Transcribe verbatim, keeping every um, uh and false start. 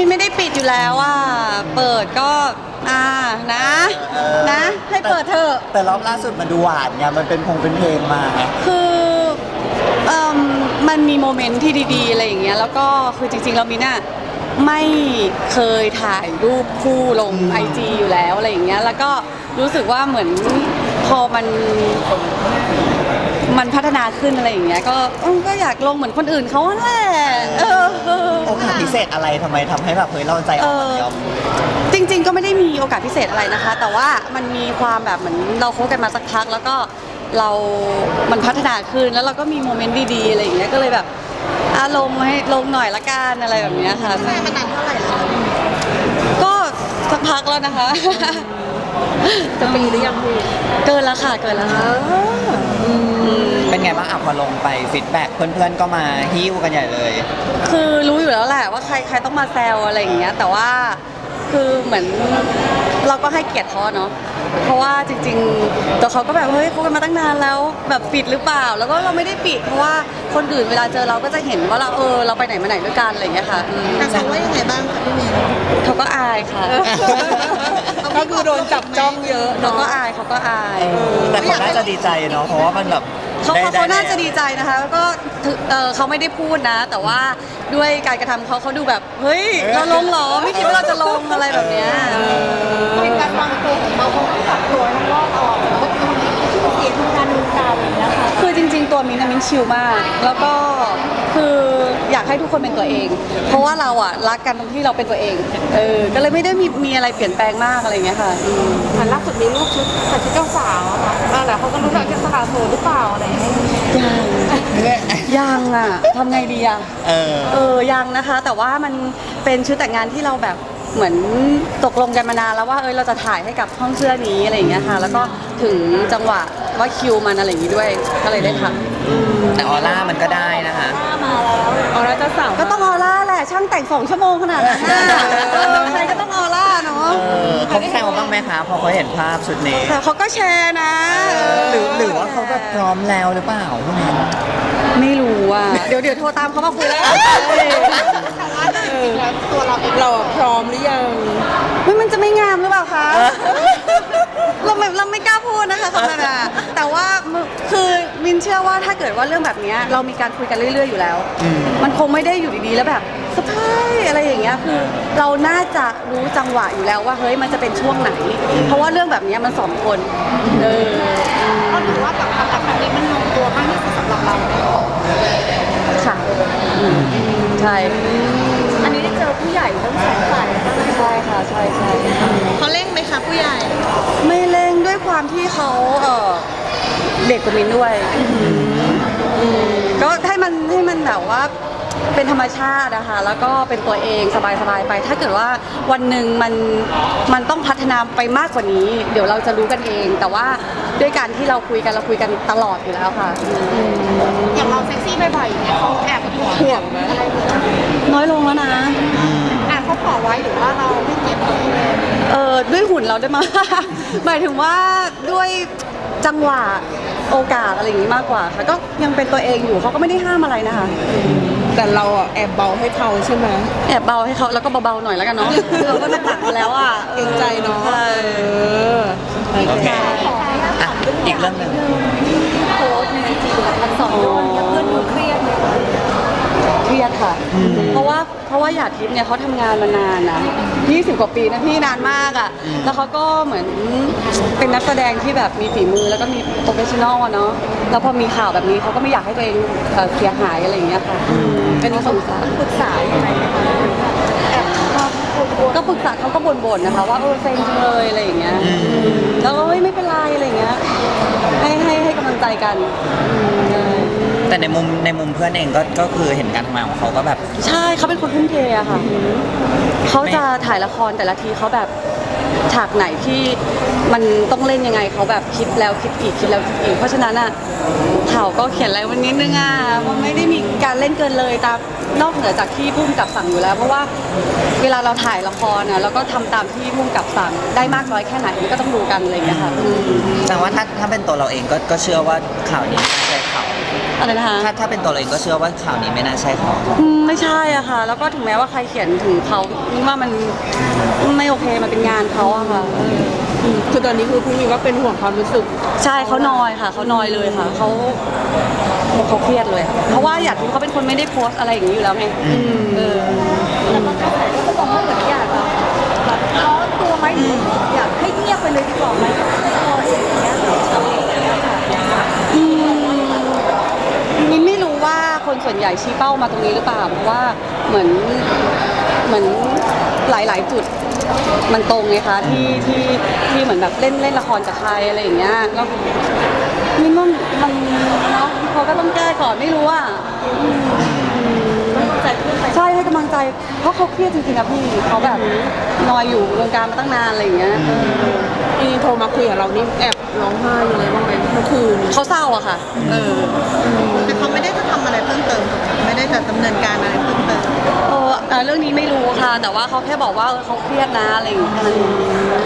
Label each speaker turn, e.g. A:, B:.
A: มินไม่ได้ปิดอยู่แล้วอ่ะเปิดก็อ่านะนะ ให้เปิดเถอะ
B: แต่รอบล่าสุดมันดูหวานไงมันเป็นพงเป็นเพลงมา
A: คือเอ่อมันมีโมเมนต์ที่ดีๆอะไรอย่างเงี้ยแล้วก็คือจริงๆเรามินอะไม่เคยถ่ายรูปคู่ลงไอจีอยู่แล้วอะไรอย่างเงี้ยแล้วก็รู้สึกว่าเหมือนพอมันมันพัฒนาขึ้นอะไรอย่างเงี้ยก็ก็อยากลงเหมือนคนอื่นเขาแหละ
B: โอกาสพิเศษอะไรทำไมทำให้แบบเฮ้ยเราใจอ่อนยอม
A: จริงๆก็ไม่ได้มีโอกาสพิเศษอะไรนะคะแต่ว่ามันมีความแบบเหมือนเราคบกันมาสักพักแล้วก็เรา มันพัฒนาขึ้นแล้วเราก็มีโมเมนต์ดีๆอะไรอย่างเงี้ยก็เลยแบบอาลงให้ลงหน่อยละกันอะไรแบบนี้ค่ะ
C: แฟนมานานเท่าไหร่แล้ว
A: ก็สักพักแล้วนะคะ
C: จะปีหรือยังพี่
A: เกินแล้วค่ะเกินแล้วค่ะ
B: เป็นไงบ้างอ่ะพอลงไปฟีดแบ็กเพื่อนๆก็มาฮิ้วกันใหญ่เลย
A: คือรู้อยู่แล้วแหละว่าใครใครต้องมาแซวอะไรอย่างเงี้ยแต่ว่าคือเหมือนเราก็ให้เกียรติเขาเนาะเพราะว่าจริงๆตัวเขาก็แบบเฮ้ยคบกันมาตั้งนานแล้วแบบปิดหรือเปล่าแล้วก็เราไม่ได้ปิดเพราะว่าคนอื่นเวลาเจอเราก็จะเห็นว่าเราเออเราไปไหนมาไหนด้วยกันอะไรอย่างเงี้ยค่ะ
C: แต่เขาว่ายังไงบ้างคะพี่เมย์
A: เขาก็อายค่ะ
C: ก็คือโดนจับจ้องเยอะ
A: เขาก็อายเขาก็อาย
B: แต่เขาน่าจะดีใจเนาะเพราะว่ามันแบบ
A: เขาเขาน่าจะดีใจนะคะแล้วก็เออเขาไม่ได้พูดนะแต่ว่าด้วยการกระทำเขาเขาดูแบบเฮ้ยเราลงหรอไม่คิดว่าเราจะลงอะไรแบบเนี้ย
C: เป็นการวางตัวของเราของปรับตัวทั้งรอบออกแล้วก็ทำให้ชื่อเสียงทางการเมืองการอะไรอย่างเงี้ยค่ะ
A: คือจริงๆตัวมินนะมินชิลมากแล้วก็คืออยากให้ทุกคนเป็นตัวเอง เพราะว่าเราอ่ะรักกันตรงที่เราเป็นตัวเองเออก็เลยไม่ได้มีมีอะไรเปลี่ยนแปลงมากอะไรเงี้ยค่ะ
C: ค่ะล่าสุดมีรูปชุดใส่ชุดเจ้าสาวค่ะแต่เขาก็รู้จักกันสถาโสดหรือเปล่าอะไรอย่างเงี้ย
A: ยังยังอ่ะทำไงดีอ่ะเออเออยังนะคะแต่ว่ามันเป็นชุดแต่งงานที่เราแบบเหมือนตกลงกันมานานแล้วว่าเออเราจะถ่ายให้กับห้องเสื้อนี้อะไรอย่างเงี้ยค่ะแล้วก็ถึงจังหวะว่าคิวมันอะไรอย่างงี้ด้วยก็เลยได้ท
B: ำแต่ออร่ามันก็ได้นะคะ
C: มาแล้วออร่าเจ้าสาว
A: ก็ต้องออร่าแหละช่างแต่งสองชั่วโมงขนาดนั้นใครก็ต้องออร่าเนาะ
B: เขาแซวบ้างไหมคะพอเขาเห็นภาพชุดนี้
A: เขาก็แชร์นะ
B: หรือหรือว่าเขาแบบพร้อมแล้วหรือเปล่าพวกนั้น
A: ไม่รู้อ่ะเดี๋ยวเดี๋ยวโทรตามเขามาคุยแล้ว
C: แต่ว่าจริงๆแล้วตัวเราเองเราพร้อมหรือยัง
A: ไม่มันจะไม่งามหรือเปล่าคะเราไม่เราไม่กล้าพูดนะคะคำนั้นแต่ว่าคือมินเชื่อว่าถ้าเกิดว่าเรื่องแบบนี้เรามีการคุยกันเรื่อยๆอยู่แล้วมันคงไม่ได้อยู่ดีๆแล้วแบบสะพายอะไรอย่างเงี้ยคือเราน่าจะรู้จังหวะอยู่แล้วว่าเฮ้ยมันจะเป็นช่วงไหนเพราะว่าเรื่องแบบนี้มันสองคนเออ
C: ก็ถือว่ากับความรักครั้งนี้มันลงตัวมากที่สุดสำหรับเรา
A: ค่ะใช่
C: อันนี้ได้เจอผู้ใหญ่ทั้งสองฝ่าย
A: ใช่ค่ะใช่ใช่
C: เขาเร่งไหมคะผู้ใหญ่
A: ไม่เร่งด้วยความที่เขาเออเด็กกว่ามินด้วยก็ให้มันให้มันแบบว่าเป็นธรรมชาตินะคะแล้วก็เป็นตัวเองสบายๆไปถ้าเกิดว่าวันหนึ่งมันมันต้องพัฒนาไปมากกว่านี้เดี๋ยวเราจะรู้กันเองแต่ว่าด้วยการที่เราคุยกันเราคุยกันตลอดอยู่แล้วค่ะ
C: อย่างเราเซ็กซี่บ่อยๆอย่างเงี้ยเขาแอบห่วงไหมอะไร
A: น้อยลงแล้วนะ
C: อ่านเขาขอไว้หรือว่าเราไม่เก็บเลย
A: เออด้วยหุ่นเราได้มาหมายถึงว่าด้วยจังหวะโอกาสอะไรอย่างนี้มากกว่าค่ะก็ยังเป็นตัวเองอยู่เขาก็ไม่ได้ห้ามอะไรนะคะ
C: แต่เราอ่ะแอบเบาให้เขาใช่ไหม
A: แอบเบาให้เขาแล้วก็เบาๆหน่อยแล้วกันเนาะเราก็หนักๆแล้วอ่ะ
C: เกรงใจเนาะ
B: โอเคอีกเรื่องหนึ่ง
A: โพสในไอจีแบบพันสองโดนเพื่อนดูเครียดเลยเครียดค่ะเพราะว่าเพราะว่าหยาดทิพย์เนี่ยเขาทำงานมานานนะยี่สิบกว่าปีนะพี่นานมากอ่ะแล้วเขาก็เหมือนเป็นนักแสดงที่แบบมีฝีมือแล้วก็มีโปรเฟชชั่นอลอะเนาะแล้วพอมีข่าวแบบนี้เขาก็ไม่อยากให้ตัวเองเสียหายอะไรอย่างเงี้ยค่ะเป็นสงสาร
C: ปรึกษายังไง
A: ก็ปรึกษาเขาก็บ่นๆนะคะว่าเออเซ็งจังเลยอะไรอย่างเงี้ยแล้วก็ไม่เป็นไรอะไรอย่างเงี้ยให้ให้ให้กำลังใจกัน
B: แต่ในมุมในมุมเพื่อนเองก็ก็คือเห็นการทำงานของเขาก็แบบ
A: ใช่เขาเป็นคนทุ่มเทอะค่ะเขาจะถ่ายละครแต่ละทีเขาแบบฉากไหนที่มันต้องเล่นยังไงเขาแบบคิดแล้วคิดอีกคิดแล้วคิดอีกเพราะฉะนั้นอ่ะข่าวก็เขียนอะไรวันนิดนึงอ่ะมันไม่ได้มีการเล่นเกินเลยตามนอกเหนือจากที่พุ่มกับสั่งอยู่แล้วเพราะว่าเวลาเราถ่ายละครนะเราก็ทำตามที่พุ่มกับสั่งได้มากน้อยแค่ไหนก็ต้องดูกันอะไรอย่างเงี้ยค่ะ
B: แต่ว่าถ้าถ้าเป็นตัวเราเองก็ก็เชื่อว่าข่าวนี้ใช่ข่าว
A: อะไรนะคะ
B: ถ้าถ้าเป็นตัวเราเองก็เชื่อว่าข่าวนี้ไม่น่าใช่เขา
A: อืมไม่ใช่อะค่ะ แล้วก็ถึงแม้ว่าใครเขียนถึงเขานี่ว่ามันไม่โอเคมันเป็นงานเขาอะค่ะเออ
C: อืมคือตอนนี้คือพี่มีว่าเป็นห่วงความรู้สึก
A: ใช่เขานอยค่ะเขานอยเลยค่ะเขาเขาเครียดเลยค่ะเพราะว่าอยากรู้เขาเป็นคนไม่ได้โพสต์อะไรอย่างนี้อยู่แล้วไงเออ
C: แต่บางกระแสก็บอกว่าเหมือนอยากแบบแบบร้อนตัวไหมหรืออยากให้เงียบไปเลยดีกว่าไหมไม่พออย่างเงี้ยอะไรอย่างเงี้ยค่ะ
A: อืมมินไม่รู้ว่าคนส่วนใหญ่ชี้เป้ามาตรงนี้หรือเปล่าเพราะว่าเหมือนเหมือนหลาย ๆ จุดมันตรงไงคะที่ที่ที่เหมือนแบบเล่นเล่นละครกับใครอะไรอย่างเงี้ยแล้วมินว่ามันเนาะเขาก็ต้องแก้ก่อนไม่รู้อ่ะ
C: ต้องใจเพื่อนไป
A: ใช่ให้กำลังใจเพราะเขาเครียดจริงๆนะพี่เขาแบบนอยอยู่วงการมาตั้งนานอะไรอย่างเงี้ย
C: พี่โทรมาคุยกับเรานี่แอบร้องไห้ยังไงบ้างไหมเมื่อคืน
A: เขาเศร้าอะค่ะเออ
C: แต่เขาไม่ได้จะทำอะไรเพิ่มเติมไม่ได้จะดำเนินการอะไรเพิ่มเติม
A: เออเอ่อเรื่องนี้ไม่รู้ค่ะ แต่ว่าเขาแค่บอกว่าเออเขาเครียดนะอะไรอย่างเงี้ยแค่นั้นเอง